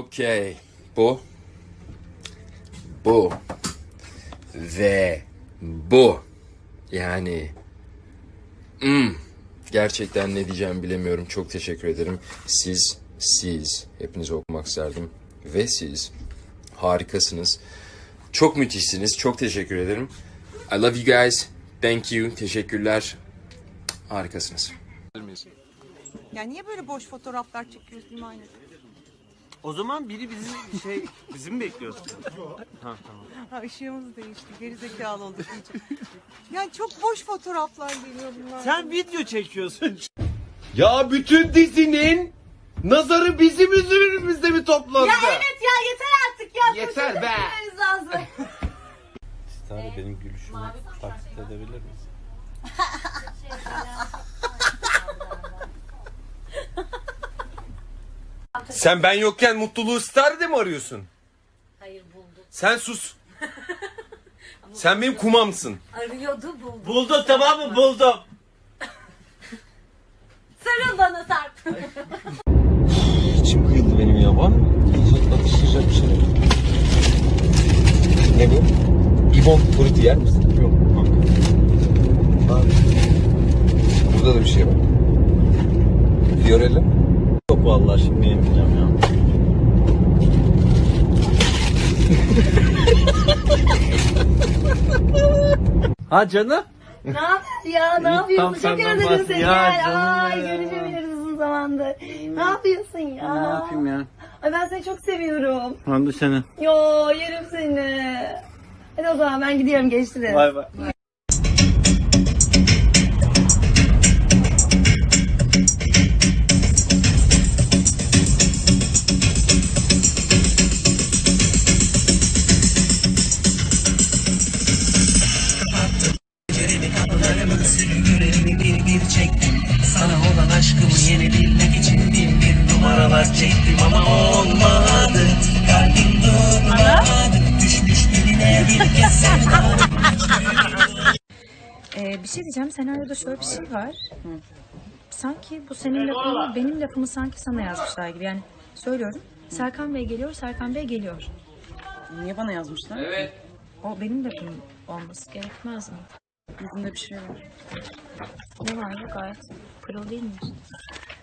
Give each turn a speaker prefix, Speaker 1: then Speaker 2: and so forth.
Speaker 1: Okey. Bu. Bu. Ve bu. Yani. Gerçekten ne diyeceğimi bilemiyorum. Çok teşekkür ederim. Siz. Hepinizi okumak isterdim. Ve siz harikasınız. Çok müthişsiniz. Çok teşekkür ederim. I love you guys. Thank you. Teşekkürler. Harikasınız.
Speaker 2: Ya niye böyle boş fotoğraflar çekiyorsun aynı?
Speaker 3: O zaman biri bizi mi bekliyorsun? Ha tamam.
Speaker 2: Ha ışığımız değişti. Gerizekalı olduk iyice. Yani çok boş fotoğraflar geliyor bunlar.
Speaker 3: Sen video çekiyorsun.
Speaker 4: Ya bütün dizinin nazarı bizim üzerimizde mi toplandı?
Speaker 5: Ya evet ya yeter artık ya.
Speaker 4: Yeter be.
Speaker 5: Lazım.
Speaker 3: Stare benim gülüşümü taklit edebilir misin?
Speaker 4: Sen ben yokken mutluluğu Star'de mi arıyorsun?
Speaker 5: Hayır buldum.
Speaker 4: Sen sus. Sen benim kumamsın.
Speaker 5: Arıyordu buldum.
Speaker 3: Buldum tamam mı? Buldum.
Speaker 5: Sarıl bana Sarp.
Speaker 4: İçim kıyıldı benim ya. Var mı? Atıştıracak bir şey. Ne bu? İbon fruit yer misin? Yok. Abi. Burada da bir şey var. Fiorella.
Speaker 3: Yok vallahi şimdi yemeyeceğim ya. Ha canım?
Speaker 5: Ne haber ya? Ne yapıyorsun?
Speaker 3: tam
Speaker 5: Çok
Speaker 3: senden
Speaker 5: özledim seni.
Speaker 3: ya, canım
Speaker 5: Ay
Speaker 3: ya.
Speaker 5: görüşemiyoruz uzun zamandır. Ne yapıyorsun ya?
Speaker 3: Ne yapayım ya?
Speaker 5: Ay ben seni çok seviyorum.
Speaker 3: Ben de seni.
Speaker 5: Yo yerim seni. Hadi o zaman ben gidiyorum geçtiniz.
Speaker 3: Bay bay.
Speaker 6: Sürgülerimi bir çektim. Sana olan aşkımı yenebilmek için bin numaralar çektim ama olmadı. Kalbim durmadı. Düşmüş diline bir kez sevda.
Speaker 7: Bir şey diyeceğim. Senaryoda şöyle bir şey var. Sanki bu senin lafını, benim lafımı sanki sana yazmışlar gibi. Yani söylüyorum. Serkan Bey geliyor, Serkan Bey geliyor.
Speaker 8: Niye bana yazmışlar? Evet.
Speaker 7: O benim lafım olması gerekmez mi?
Speaker 8: Yüzünde bir şey var.
Speaker 7: Ne var ya, gayet pırıl değil mi?